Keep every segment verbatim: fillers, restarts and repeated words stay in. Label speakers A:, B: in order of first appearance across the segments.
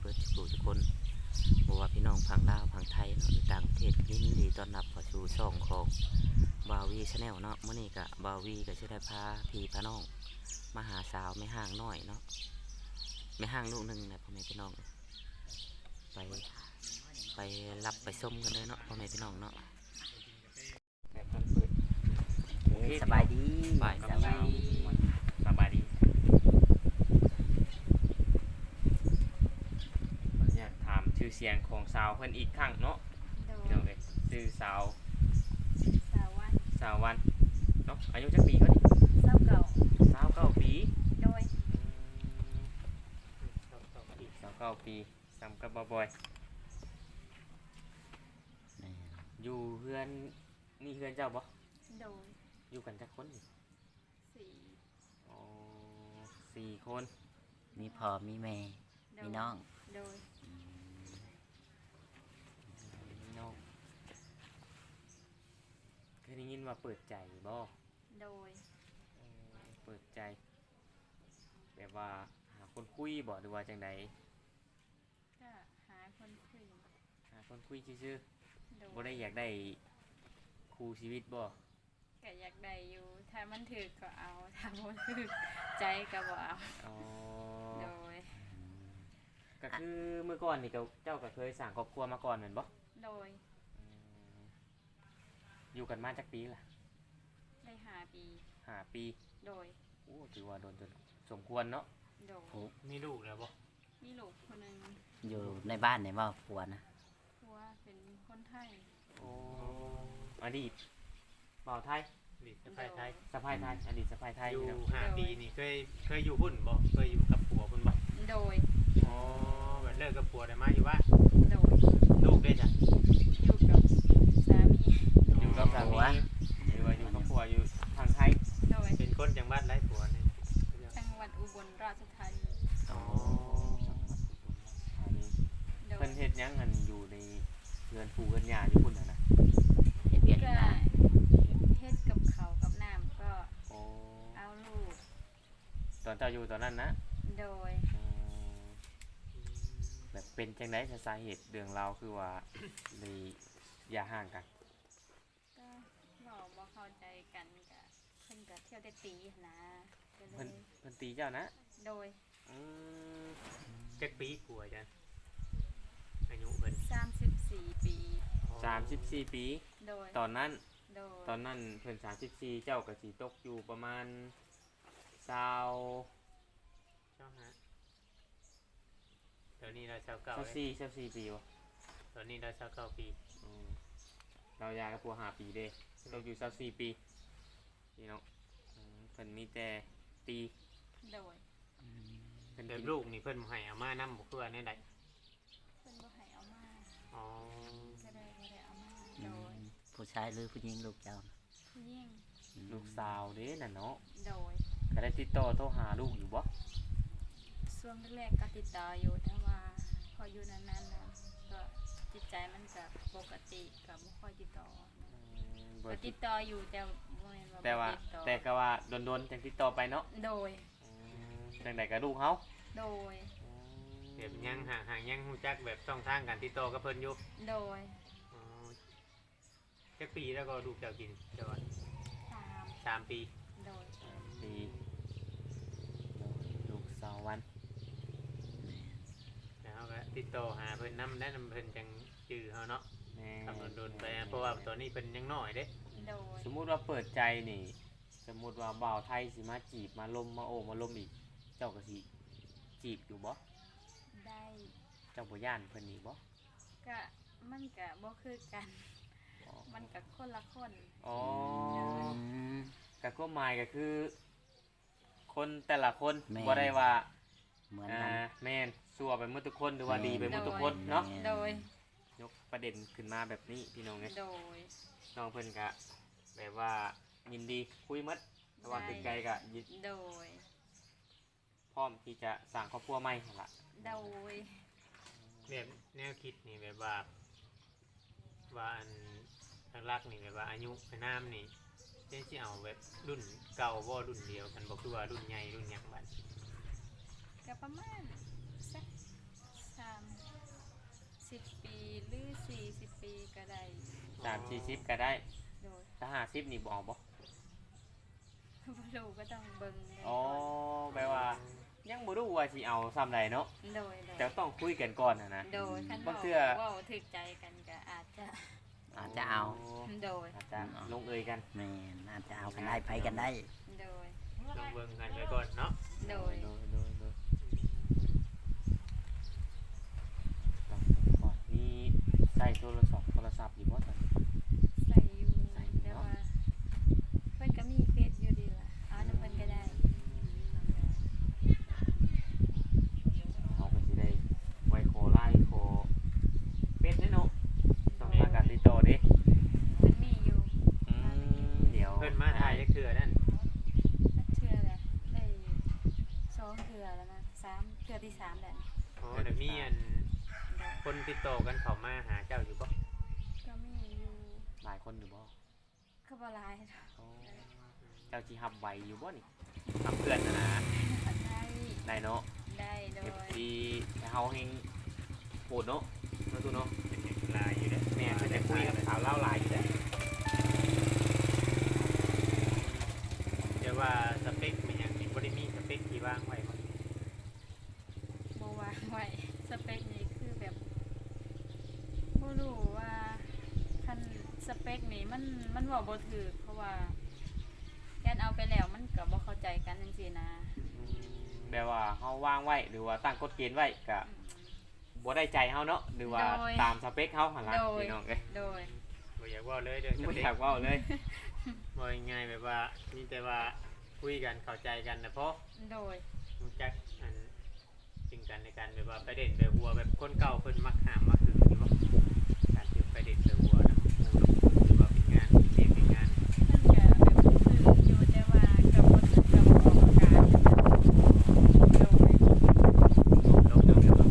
A: บิดสู่ทุกคนบ่ว่าพี่น้องพังลาวพังไทยเนาะหรือต่างประเทศก็ยินดีต้อนรับเข้าสู่ช่องของบาวีชาแนลเนาะมื้อนี้ก็บาวีก็สิได้พาพี่พาน้องมาหาสาวแม่ห้างน้อยเนาะแม่ห้างลูกหนึงนะพ่อแม่พี่น้องไปไปรับไปส้มกันเลยเนาะพ่อแม่พี่น้องเนาะ
B: สบายดี
A: สบายดี
B: สบายดี
C: สบายดีอยากถามชื่อเสียงของสาวเพิ่นอีกครั้งเนาะ
D: โดย
C: พี่น้องเอ้ยชื่อสาว
D: สาวัน
C: สาววันเนาะอายุจักปีเขาดิ
D: เศร้าเก่า
C: สาวเก้าปี
D: โดย
C: สาวเก้าปีสำกับบ่บอยอยู่เพื่อนนี่เพื่อนเจ้าบ่
D: โดย
C: อยู่กันจักคนนี่
D: สี่
C: อ๋อสี่คน
B: มีพ่อมีแม่
D: โด
B: มี
D: ย
B: น้อง
D: โดย
C: พี่น้องเคยได้ยินว่าเปิดใจบ่
D: โดย
C: เออเปิดใจแบบว่าหาคนคุยบ่หรือว่าจังใด
D: ก็หาคนคุย
C: หาคนคุยซื่อ
D: โด
C: ๆบ่
D: ย
C: ได้อยากได้คู่ชีวิตบ่
D: ก็อยากได้อยู่ ถ้ามันถือก็เอา ถ้าบ่ถือใจก็บ่เอา
C: อ๋อ
D: โดย
C: ก็คือเมื่อก่อนนี่ก็เจ้าก็เคยสร้างครอบครัวมาก่อนแม่นบ่
D: โดย
C: อืมอยู่กันมาจักปีล่ะ
D: ได้หาปี
C: ห้าปี
D: โดย
C: โอ้ถือว่าโดนจนสมควรเนาะ
D: โดย
C: มีลูกแล้วบ่
D: มีลูกคนหนึง
B: อยู่ในบ้านในบ้านผัวนะ
D: ผัวเป็นคนไทย
C: โอ้อดีตบ่าวไทย
E: อดีตสะพายไทย
C: สะพายไทยอดีตสะพายไทย
E: อยู่
C: เนาะ
E: ห้าปีนี่เคยเคยอยู่หุ่นบ่เคยอยู่กับผัวพุ่นบ่
D: โดย
E: อ๋อแบบเลิกกับผัวได้มาอยู่ว่า
D: โดย
E: ลูกได้จ้ะ
D: อยู่กับสามี
C: อยู่กับสามีหรือว่าอยู่กับผัวอยู่ทางไทย
D: โดย
E: เป็นคนจังหวัดไรผัวนี่
D: จังหวัดอุบลราชธานี
C: อ๋ออันนี้
D: โดย
C: เพิ่นเฮ็ดหยังกันอยู่ในเรือนปู่เรือนย่าอยู่พุ่นน่ะนะ
B: เฮ็ดเวียก
D: ก็
B: เฮ็ดงาน
D: เฮ็ดกับเขาวกับน้ำก็
C: โอ้
D: เอาลูก
C: ตอนเจ้าอยู่ตอนนั้นนะ
D: โดย
C: อืมแบบเป็นจังได๋สาเหตุเรื่องราวคือว่า เลยอย่าห่างกัน
D: ก็บอกบ่เข้าใจกันก็เพิ่นก็เที่ยวได้ตีหั้นนะก็เล
C: เพิ่น
D: ย
C: เพิ่นตีเจ้านะ
D: โดย
C: อืม
E: จักปีผัวจ้ะอายุเพิ่น
D: สามสิบสี่ปี
C: สามสิบสี่ปี
D: โดย
C: ตอนนั้น
D: โดย
C: ตอนนั้นเพิ่นสามสิบสี่เจ้าก็สิตกอยู่ประมาณ20
E: เจ้าฮะตอนนี้เราชาวเก่าเลย
C: 24 24ปีบ่
E: ตอนนี้เราชาวเก่าปี
C: อืมเรายากับผัวห้าปีเด้ตกอยู่24ปีพี่น้องอืมเพิ่นมีแต่ตี
D: โดย
C: เพิ่น
E: แบบ
C: กิน
E: ลูกนี่เพิ่นบ่ให้เอามานำบ่คือว่าแนวใด
D: เพิ่นบ่ให้เอามา
E: อ๋อ
D: ก็เลยบ่ได้เอามา
B: อื
D: โดย
B: มผู้ชายหรือผู้หญิงลูกเจ้านะ
D: ผู้หญิง
B: อืม
C: ลูกสาวเด้น่ะเนาะ
D: โดย
C: ก็ได้ติดต่อโทรหาลูกอยู่บ่
D: ช่วงแรกๆก็ติดต่ออยู่แต่ว่าพออยู่นานๆแล้วก็จิตใจมันก็ปกติก็บ่ค่อยติดต่อ
C: อืมบ่
D: ก็
C: ติ
D: ติ
C: ด
D: ดต่ออยู่แต่บ่แม่นว่า
C: แต่ว่า
D: บ่ติดต่อ
C: แต่ก็ว่าโดนๆจังติดต่อไปเนาะ
D: โดย
C: อืมจังไดก็ลูกเฮา
D: โดย
C: อืม
E: แบบยังห่างห่างยังฮู้จักแบบช่องทางการติดต่อกับเพิ่นอยู่
D: โดย
E: อ๋อจักปีแล้วก็ลูกเจ้ากินเจ้าว่า
D: สาม
E: สามปี
D: โดย
C: ดีลูกสาววัน
E: แล้วเราก็ติดต่อหาเพิ่นนำได้นำเพิ่นจังจื้อเฮาเนาะ
C: แม่
E: ทำโดนๆไปอะเพราะว่าตอนนี้เพิ่นยังน้อยเด้
D: โดย
C: สมมุติว่าเปิดใจนี่ สมมุติว่าบ่าวไทยสิมาจีบมาลมมาโอ้มาลมอีก เจ้าก็สิจีบอยู่บ่
D: ได้
C: เจ้าบ่ย่านเพิ่นนี่บ่
D: ก็มันก็บ่คือกัน
C: อ๋อ
D: มันก็คนละคน
C: อ๋อ
B: อืม
C: ก็ความหมายก็คือ คนแต่ละคน
B: แม่น
C: บ่ได้ว่า
B: เหมือน
C: อ่า
B: กัน
C: แม่นซั่วไปหมดทุกคนหรือว่า
B: แม่น
C: ดีไปหมดทุกคนเนาะ
B: แม่น
D: โดย
C: ยกประเด็นขึ้นมาแบบนี้พี่น้องไง
D: โดย
C: น้องเพิ่นก็แบบว่ายินดีคุยหมัดระหว่าง
D: ได้
C: ติดใจก็ยิน
D: โดย
C: พร้อมที่จะสร้างครอบครัวใหม่หั่นล่ะ
D: โดย
E: แบบแนวคิดนี่แบบว่าว่าอันหลักๆนี่แบบว่าอายุไปน้ำนี่เช่นที่เอาแบบรุ่นเก่าบ่รุ่นเดียวกันบ่คือว่ารุ่นใหญ่รุ่นหยังบัด
D: ก็ประมาณสักสามสิบปีหรือสี่สิบปีก็ได้
C: สามสี่สิบก็ได้
D: โดย
C: ถ้าห้าสิบนี่บ่เอาบ่
D: บ่รู้ก็ต้องเบิ่งเลย
C: อ๋อแปลว่ายังบ่รู้ว่าสิเอาซ้ำใดเนาะ
D: โดยโด
C: แต่
D: ย
C: ต้องคุยกันก่อนนะนะ
D: โดยคัน
C: บาง
D: เว้า
C: เทื่อ
D: เว้าถึกใจกันก็อาจจะ
B: อาจจะเอา
D: โดย
C: อาจจะลงเอยกัน
B: แม่นอาจจะเอากันได้ไปกันได้
D: โดย
E: ลองเบิ่งกันไปก่อนเนาะ
D: โดย
C: โดยโดยโดยต้องก่อนนี่ใส่โทรศัพท์โทรศัพท์อยู่บ่ตอนนี้
D: ใส่อยู่
C: ใส่
D: แต่
C: เนาะ
D: ว่าเพิ่นก็มีเฟซอยู่ดีล่ะเอาน้ำเพิ่นก็ได้
C: เขาก็สิได้ไว้โคไล่โคเป็ดแน่เนาะต้องมาการติดต่อเด้
D: เพิ่นมีอยู่
C: อืมเดี๋ยว
E: เพิ่นมาถ่ายจักเทื่อนั่น
D: สักเทื่อแหละได้สองเทื่อแล้วนะสามเทื่อที่สามแล้วนี่
E: อ๋อเดี๋ยวมีอันคนติดต่อกันเข้ามาหาเจ้าอยู่บ่
D: ก็มีอยู่
C: หลายคนอยู่บ่
D: ก็บ่หลาย
C: อ๋อเจ้าจีฮับไหวอยู่บ่นี่ทำเพื่อนนะนะ
D: ได้
C: ได้เนาะ
D: ได้โด
C: เอย ฟซีเฮาเฮงโหดเนาะเนาะตูเนาะ
E: เป็นเด็กลายอยู่เด้อ
C: แม่จะได้คุยกับสาวเล่าวหลายอยู่แล้ว
E: เดี๋ยวว่าสเปคมันยังบ่ได้มีสเปคที่วางไว้บ่
D: บ่วางไว้สเปคนี้คือแบบบ่รู้ว่าคันสเปคนี้มันมันเว้าบ่ถูกเพราะว่าแกนเอาไปแล้วมันก็บ่เข้าใจกันจังซี่นะ
C: แบบว่าเฮาวางไว้หรือว่าตั้งกฎเกณฑ์ไว้ก็
D: อืม
C: บ่ได้ใจเฮาเนาะหรือว่า
D: โดย
C: ตามสเปคเฮาหั่นล่ะ
D: โดย
C: พี่น้องเอ้ย
D: โดย
E: บ่อยากเว่าเลยเด้อส
C: บ่
E: เป
C: อ
E: ค
C: ยากเว้าเลย
E: บ่ง่ายๆแบบว่ามีแต่ว่าคุยกันเข้าใจกันนะเพราะ
D: โดย
E: รู้จักอันสิ่งกันในการแบบว่าไปเด่นไปหัวแบบคนเก่าเพิ่นมักหามมักถึงอยู่บ่การที่ไปเด่นไปหัวนะหรือว่าเป็นงานเรียนเป็นงาน
D: มันก็แบบคืออยู่แต่ว่าก็บ่ถึงกับออกอาการโดย
E: ลงเรื่องเดียวกัน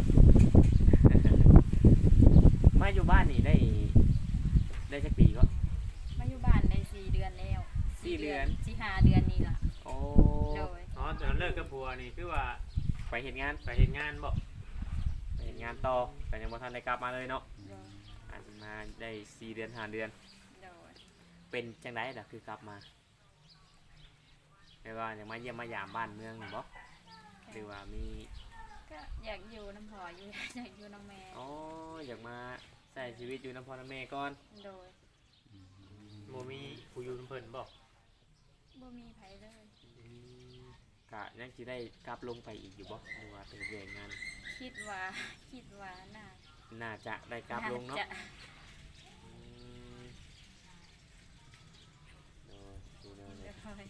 C: มาอยู่บ้านนี่ได้ได้จักปีก็
D: มาอยู่บ้านได้สี่เดือนแล้ว
C: สี่เดือน
D: สี่ห้าเดือนนี่ล่ะ
C: โอ้
D: โดย
E: อ๋อตอนเลิกกับผัวนี่คือว่า
C: ไปเฮ็ดงาน
E: ไปเฮ็ดงานบ่
C: ไปเฮ็ดงานต่อแต่ยังบ่ทันได้กลับมาเลยเนาะ
D: โดย
C: อาจจะมาได้สี่เดือนห้าเดือน
D: โดย
C: เป็นจังไดล่ะคือกลับมาแปลว่ายังมาเยี่ยมมายามบ้านเมืองนี่บ่หรือว่ามี
D: ก็อยากอยู่น้ำพออยู่ อยากอยู่น้ำแม่
C: อ๋ออยากมาใช้ชีวิตอยู่น้ำพ่อน้ำแม่ก่อน
D: โดย
E: บ่มีผู้อยู่นำเพิ่นบ่
D: บ่มีไผเลย
C: กะยังสิได้กลับลงไปอีกอยู่บ่หรือว่าเป็นเรื่องงาน
D: คิดว่า คิดว่าน่า
C: น่าจะได้กลับลงเนาะ
D: จะ
C: อืมโอ้ยดูแนว
D: โด
C: เนี่ย
D: ย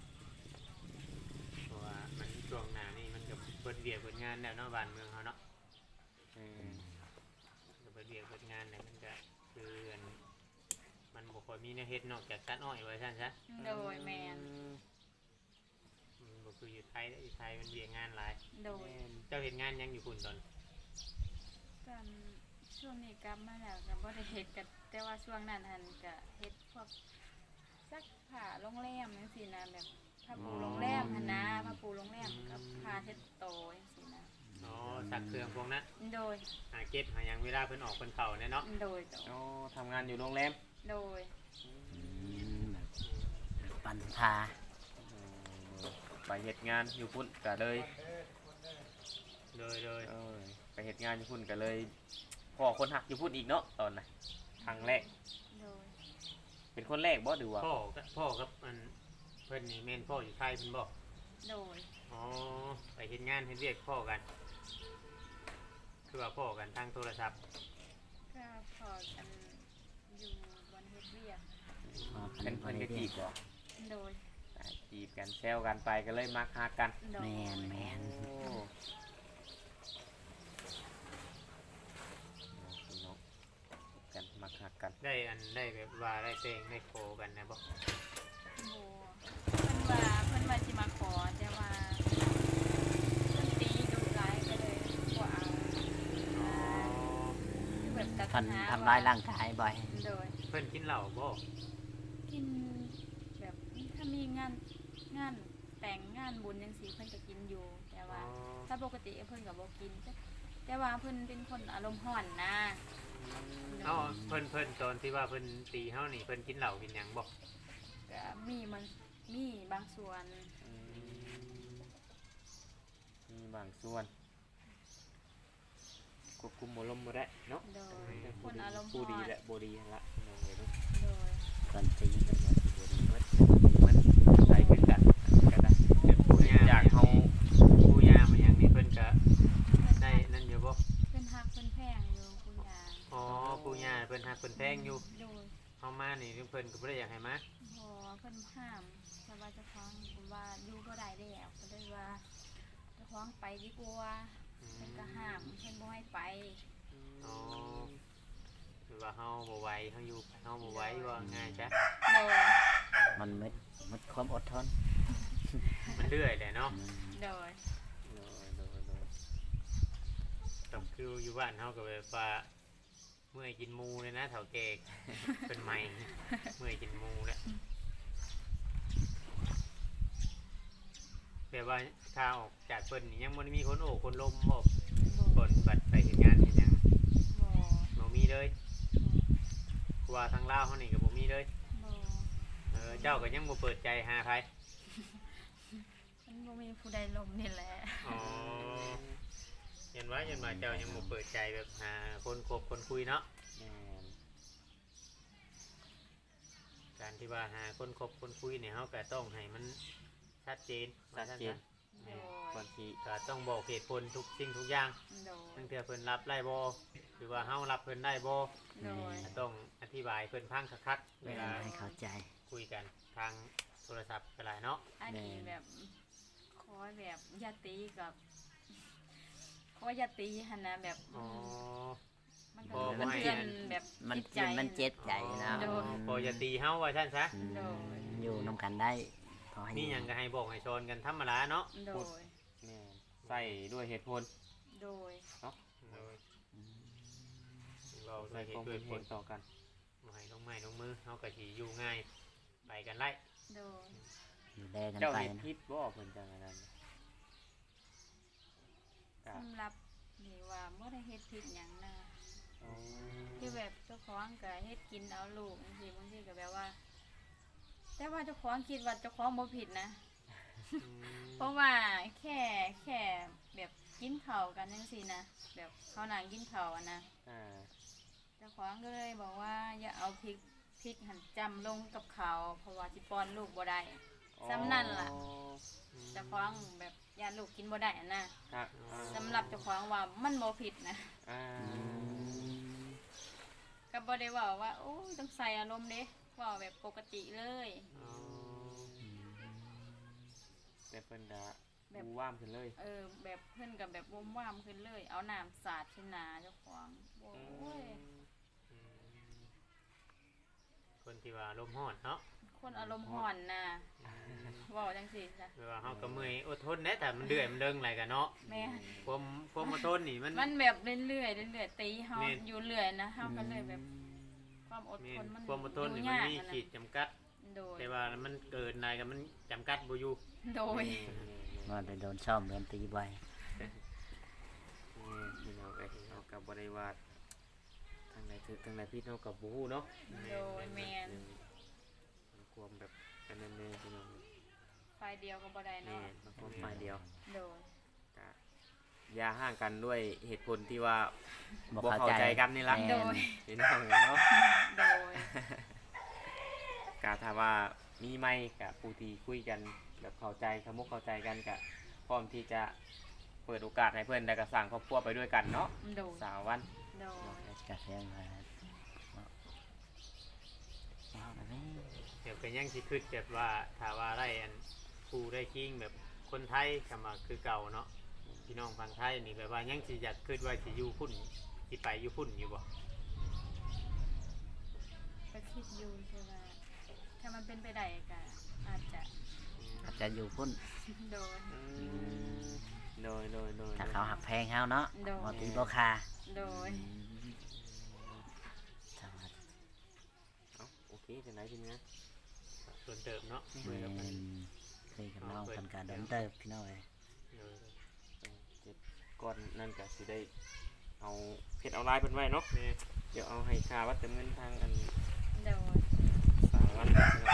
E: เพราะว่ามันช่วงหน้านี่มันก็เปิดเวียกเปิดงานแล้วเนาะบ้านเมืองเฮาเนาะ
C: เออ
E: ก็เปิดเวียกเปิดงานแล้วมันก็คืออันมันบ่ค่อยมีแนวเฮ็ดนอกจากตัดอ้อยไว้ซั่นซะ
D: โดยแมน
E: มันบ่คืออยู่ไทยเด้ออยู่ไทยมันเวียกงานหลาย
D: โดย
E: เจ้าเฮ็ดงานยังอยู่พุ่นตอน
D: ก็ช่วงนี้กลับมาแล้วก็บ่ได้เฮ็ดกันแต่ว่าช่วงนั้นหันก็เฮ็ดพวกซักผ้าโรงแรมจังซี่นะแบบผ้าปูโรงแรมหั่นนะผ้าปูโรงแรมกับผ้าเช็ดโต๊ะจังซี่นะ
E: อ๋อสักเครื่องพวกนั้น
D: โดย
E: หาเก็บหาหยังเวลาเพิ่นออกเพิ่นเข้าเนี่ยเนาะ
D: โดยโดย
C: โอ้ทำงานอยู่โรงแรม
D: โดย
B: อืมแบบปันพา
C: เออไปเฮ็ดงานอยู่พุ่นก็เลย
E: โดยโดย
C: เออไปเฮ็ดงานอยู่พุ่นก็เลยพ่อคนหักอยู่พุ่นอีกเนาะตอนน่ะครั้งแรก
D: โดย
C: เป็นคนแรกบ่หรือว่า
E: พ่อกับพ่อกับอันเพิ่นนี่แม่นพ่ออยู่ไทยเพิ่นบ่
D: โดย
E: อ๋อไปเฮ็ดงานเฮ็ดเวียกพ่อกัน คือว่าพ่อกันทางโทรศัพท์
D: ก็พอกันอยู่บนเฮ็ดเวียก
B: พอ
C: เป็นเพิ่นก็จีบบ่
D: โดย
C: อ่าจีบกันแซวกันไปก็เลยมักฮักกัน
D: โด
B: แม
D: ย
B: นแมน
C: โอ้พี่น้องกันมักฮักกัน
E: ได้อันได้แบบว่าได้เพลงได้โคกันนะบ่
D: โบเพิ่นว่าเพิ่นว่าสิมาขอแต่ว่าเพิ่นตีดุร้ายก็เลยบ่เอาคือแบบตัด
B: พัน
D: หา
B: ทำร้ายร่างกายบ่อย
D: โดย
E: เพิ่นกินเหล้าบ่
D: กินแบบถ้ามีงานงานแต่งงานบุญจังซี่เพิ่นก็กินอยู่ แต่
E: อ๋
D: ว่า
E: อ
D: ถ้าปกติเพิ่นก็บ่กินแต่แต่ว่าเพิ่นเป็นคนอารมณ์ร้อนนะ
E: เอ้าเพิ่นเพิ่นตอนที่ว่าเพิ่นตีเฮานี่เพิ่นกินเหล้ากินหยังบ่
D: ก็มีมันมีบางส่วน
C: อืมมีบางส่วนควบคุมอารมณ์บ่ได้เนาะ
D: โดยคนอารมณ์
C: ผู้
D: ร้
C: ดี
D: อน
C: และบ่ดีนั่นละน้องเอ้ยเนาะ
D: โดย
B: ก่อนตีกันว่าสิบ่ดีเบิด
C: มันใส่คือกันอันก็ได้
E: เป็นผู้ย่า
C: อยากเฮา
E: ผู้ย่ามันหยังนี่เพิ่นก็ได้นั่นอยู่บ่
D: เพิ่นฮักเพิ่นแพงอยู่คุณยา
E: อ๋อผู้ย่าเพิ่นฮักเพิ่นแพงอยู่
D: โดย
E: เฮามานี่เพิ่นก็บ่ได้อยากให้มา
D: พอเพิ่นห้ามแต่ว่าเจะฟ้าของว่าอยู่บ่ได้แล้วก็เลยว่าเจะฟ้าของไปดีกว่า
E: อื
D: เพิ่น
E: ม
D: ก็ห้ามเพิ่นบ่ให้ไป
E: อ๋อหรือว่าเฮาบ่ไหวเฮาอยู่เฮาบ่ไหวว่าง่ายจ้ะ
D: โดย
B: มันหมดหมดความอดทน
E: มันเรื่อยแหละเนาะ
B: อืม
D: โดย
C: โดยโดยโดย
E: ก็คืออยู่บ้านเฮาก็แบบว่าเมื่อยกินหมูเลยนะเฒ่าแก่เป็นใหม่เมื่อยกินหมูแล้วแบบว่าถ้าออกจากเพิ่นนี่ยังบ่ได้มีคนโอ้คนลมบ่
D: บ่
E: คนบัดไปเฮ็ดงานเฮ็ดหยัง
D: บ่
E: บ่มีเลยเพราะว่าทางลาวเฮานี่ก็บ่มีเลย
D: บ่
E: เออเจ้าก็ยังบ่เปิดใจหาใคร
D: มันบ่มีผู้ใดลมนี่แหละ
E: อ๋อเห็นว่าเห็นว่าเจ้ายังบ่เปิดใจแบบหาคนคบคนคุยเนาะ
C: แม่น
E: การที่ว่าหาคนคบคนคุยเนี่ยเขาก็ต้องให้มันชัดเจน
C: ชัดเจน
D: โด
C: ก่อย นที่
E: ก็ต้องบอกเหตุผลทุกสิ่งทุกอย่าง
D: โดย
E: ตั้งแต่เพิ่นรับได้บ่หรือว่าเฮารับเพิ่นได้บ่
D: โดย
E: ก็ต้องอธิบายเพิ่นพังคักๆเวลา
B: ให้เข้าใจ
E: คุยกันทางโทรศัพท์ก็หลายเนาะ
D: อันนี้แบบขอแบบอยาตีกับขออยาตีหันนะแบบ
E: อ๋อ
D: มัน
E: บ่
D: ก็
E: บ่
D: มัน
E: ให้
D: เตือนแบบ
B: มัน
D: จิตใจ
B: มันเจ็บใจนะ
D: โดย
E: บ่อย่าตีเฮาว่าซั่นซะ
B: อืม
D: โดย
B: อยู่นํกันได้ขอให้
E: มีหยังก็ให้บอกให้สอนกันธรรมดาเนาะ
D: โดย
C: แม่นใส่ด้วยเหตุผล
D: โดย
E: โดย
B: อืม
E: เรา
C: ใส่
E: ใส่
C: ความ
E: ด้ว
C: เป็
E: ย
C: น
E: ผ
C: เห
E: ล
C: ตุต่อกัน
E: บ่ให้ลงไม้ลงมือเฮาก็สิอยู่ง่ายไปกันไล่
D: โดย
B: ดูแลกัน
C: เจ้า
B: ไป
C: เฮ็ด
B: นะ
C: ผิดบ่เพิ่นจังอันนั้นก็
D: สำหรับนี่ว่าเมื่อได้เฮ็ดผิดหยังนะ
C: อ๋อ
D: ที่แบบเจ้าของก็เฮ็ดกินเอาลูกบางทีบางทีก็แบบว่า แต่ว่าเจ้าของคิดว่าเจ้าของบ่ผิดนะ
E: อืม
D: เพราะว่าแค่แค่แบบกินข้าวกันจังซี่นะแบบเขานั่งกินข้าวอะนะ
C: อ่า
D: เจ้าของก็เลยบอกว่าอย่าเอาพริกพริกหั่นจำลงกับข้าวเพราะว่าสิป้อนลูกบ่ได้ ซ้ำนั่นล่ะ เจ้าของแบบยานลูกกินบ่ได้อะนะครับ สำหรับเจ้าของว่ามันบ่ผิดนะ
C: อ่า
B: อืม
D: ก็บ่ได้เว่าว่าโอ้ยต้องใส่อารมณ์เด้เว่าแบบปกติเลย
E: อ๋อ
C: แต่เพิ่นก็
D: แบบ
C: บูว่ามขึ้นเลย
D: เออแบบเพิ่นกับแบบวมว่ามขึ้นเลย เอาน้ำสาดขึ้นหนาเจ้าของโอ้ย
E: อืมคนที่ว่าลมณ์ร้อนเนาะ
D: คนอารมณ์ห่อนนะเว่าจังสิจ้ะ
E: แปลว่าเฮาก็เมื่อยอดทนแหน่แต่มันเดือยมันเดิงอะไรกันเนาะ
D: แม่
E: ความความอดทนนี่มัน
D: มันแบบเรื่อยๆเรื่อยๆตีเฮา
E: แม่น
D: อยู่เรื่อยนะเฮาก็เลยแบบความอด
E: แม่
D: ท
E: น
D: นมัน
E: ความอดทน
D: อยู่
E: นี่มัน
D: ยาก
E: มี
D: อะนะ
E: ขีดจำกัด
D: โดย
E: แต่ว่ามันเกินอะไรกันมันจำกัดบ่อยู่
D: โดย
B: ว่าได้โดนซ่อมโดนตีบ่อย
C: พี่น้องเอ้ยเรากับบริวารทางไหนถือทางไหนพี่น้องกับบูฮู้เนาะ
D: โดยแม่น
C: มันความแบบอันนั้นเลยพี่น้อง
D: ไฟเดียวก็บ่ได้
C: นี่
D: เนาะ
C: มันความฝ่ายเดียว
D: โดย
C: ก็อย่าห่างกันด้วยเหตุผลที่ว่า
B: บ่
C: บ่
B: เข้า
C: เข้า
B: ใจ
C: ใจกันนี่ล่ะ
B: แม่
D: โดย
C: พี่น้องเอ้ยเนาะ
D: โดย
C: ก็ถ้าว่ามีไม่กับผู้ที่คุยกันแบบเข้าใจขมุกเข้าใจกันก็พร้อมที่จะเปิดโอกาสให้เพื่อนได้กระสั่งครอบครัวไปด้วยกันเนาะ
D: โดย
C: สาววัน
D: โดย
B: กระเทียมมาเอาแบบนี้
E: เดี๋ยวเป็นยังสิคิดแบบว่าถ้าว่าได้อันครูได้คิงแบบคนไทยกลับมาคือเก่าเนาะพี่น้องฝั่งไทยนี่แบบว่ายังสิอยากคิดว่าสิอยู่พุ่นสิไปอยู่พุ่นอยู่บ่
D: ก็คิดอยู่ใช่ไหมถ้ามันเป็นไปได้ก็อาจจะ
B: อาจจะอยู่พุ่น
D: โดย
C: โดยโดยโดย
B: ถ้าเขาหักแพงเฮาเนาะ
D: โดย
B: บ่ตีบ่คา
D: โดย
B: อืมสวัสดี
C: เอ้าโอเคจะไหนทีนี้
E: ส่วนเติมเนาะ
B: แม่นคุยกับน้องคนกาโดนเติบพี่น้องเอ้ย
E: เออ
C: เจ็ดก่อนนั่นก็สิได้เอาเพจเอาไลน์เพิ่นไว้เนาะ
E: แม่
C: เดี๋ยวเอาให้ค่าวัดจำเงินทางอัน
D: โดย
C: สามวันนะครับ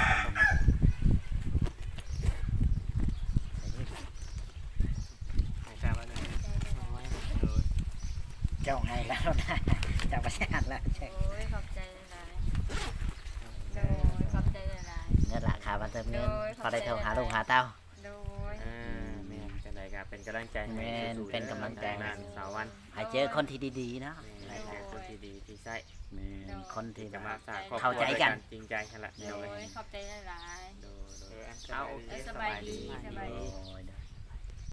E: ให้ทราบว่าเลย
D: ใจได้หลาย
E: โดย
B: เจ้าไงแล้วนะเจ้าประชาติแล้วใช่
D: โอ้ยขอบใจหลายโดยขอบใจหลาย
B: เงินราคาบันเติมเงิน
D: โดย
B: พอได้โทรหา
D: ขอบใจ
B: ลูกหาเต้า
D: โดย
C: อ่าแม่นจังไดก็เป็นกำลังใจให้
B: แม่น
C: สู้ๆ
B: เป็นกำลังใจ
C: นานสาววัน
B: ให้เจอคนที่ดีๆเนาะ
C: แม่นให้เจอคนที่ดีที่ใช่
B: แม่นคนที่แบ
C: จะ
B: บ
C: มา
B: ว่า
C: สร้างครอบครัว
B: เข้าใจกัน
C: ด้วยจริงใจกันละ
D: โด
C: เดี๋ยวเลย
D: ยขอบใจหลาย
C: โดยโด
E: เอย อ
C: เอาโอเค
D: เออสบายดีสบายดี
B: โอ้ยเด้อ